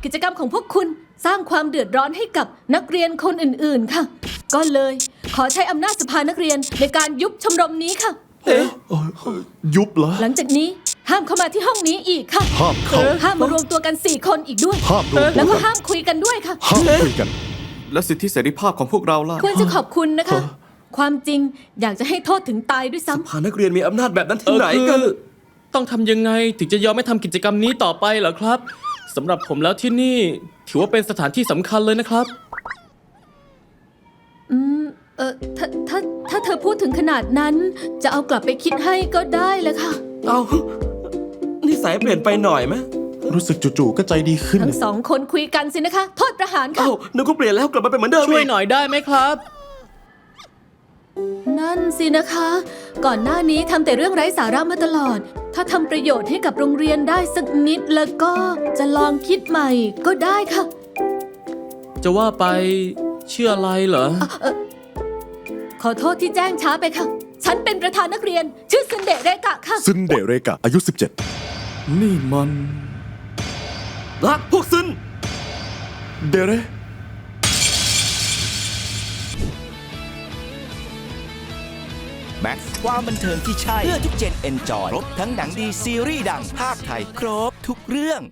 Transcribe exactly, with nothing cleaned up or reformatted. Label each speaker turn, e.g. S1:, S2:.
S1: กิจกรรมของพวกคุณสร้างความเดือดร้อนให้กับนักเรียนคนอื่นๆค่ะ ก็เลยขอใช้อำนาจสภานักเรียนในการยุบชมรมนี้ค่ะ
S2: เอ๊ะยุบเหรอ
S1: หลังจากนี้ห้ามเข้ามาที่ห้องนี้อีกค่ะ
S2: ห้ามเข้า
S1: ห้ามมารวมตัวกันสี่คนอีกด้วย
S2: ห้ามรวม
S1: แล้ว
S2: ตัว
S1: ก็ห้ามคุยกันด้วยค่ะ
S2: ห้ามคุยกัน
S3: และสิทธิเสรีภาพของพวกเราล่ะ
S1: ควรจะขอบคุณนะคะ ความจริงอยากจะให้โทษถึงตายด้วยซ้ำ
S4: พานักเรียนมีอำนาจแบบนั้น
S5: เอ
S4: ที่
S5: อ
S4: ไหน
S5: คื
S4: กัน
S5: อต้องทำยังไงถึงจะยอมไม่ทำกิจกรรมนี้ต่อไปเหรอครับสำหรับผมแล้วที่นี่ถือว่าเป็นสถานที่สำคัญเลยนะครับ
S1: อืม เออถ้าถ้าถ้าเธอพูดถึงขนาดนั้น จะเอากลับไปคิดให้ก็ได้แหละค่ะ
S4: เอานิสัยเปลี่ยนไปหน่อยไหม
S2: รู้สึกจู่ๆก็ใจดีขึ้น
S1: ทั้งสองคนคุยกันสินะคะ โทษประหารค่ะ
S4: เอ้านึกว่าเปลี่ยนแล้วกลับมาเป็นเหมือนเดิม
S5: ช่วย
S4: อีก
S5: หน่อยได้ไหมครับ
S1: นั่นสินะคะ ก่อนหน้านี้ทำแต่เรื่องไร้สาระมาตลอด ถ้าทำประโยชน์ให้กับโรงเรียนได้สักนิดแล้วก็จะลองคิดใหม่ก็ได้ค่ะ
S5: จะว่าไปเชื่ออะไรเหรอ
S1: ขอโทษที่แจ้งช้าไปค่ะ ฉันเป็นประธานนักเรียน ชื่อซึนเดะเรกะค่ะ
S2: ซึนเดเรกะอายุสิบเจ็ด
S3: นี่มัน
S4: รักพวกซึน
S2: เดเร
S6: แม็กซ์ความบันเทิงที่ใช่ เพื่อทุกเจนเอนจอย ครบทั้งหนังดีซีรีส์ดังภาคไทย ครบทุกเรื่อง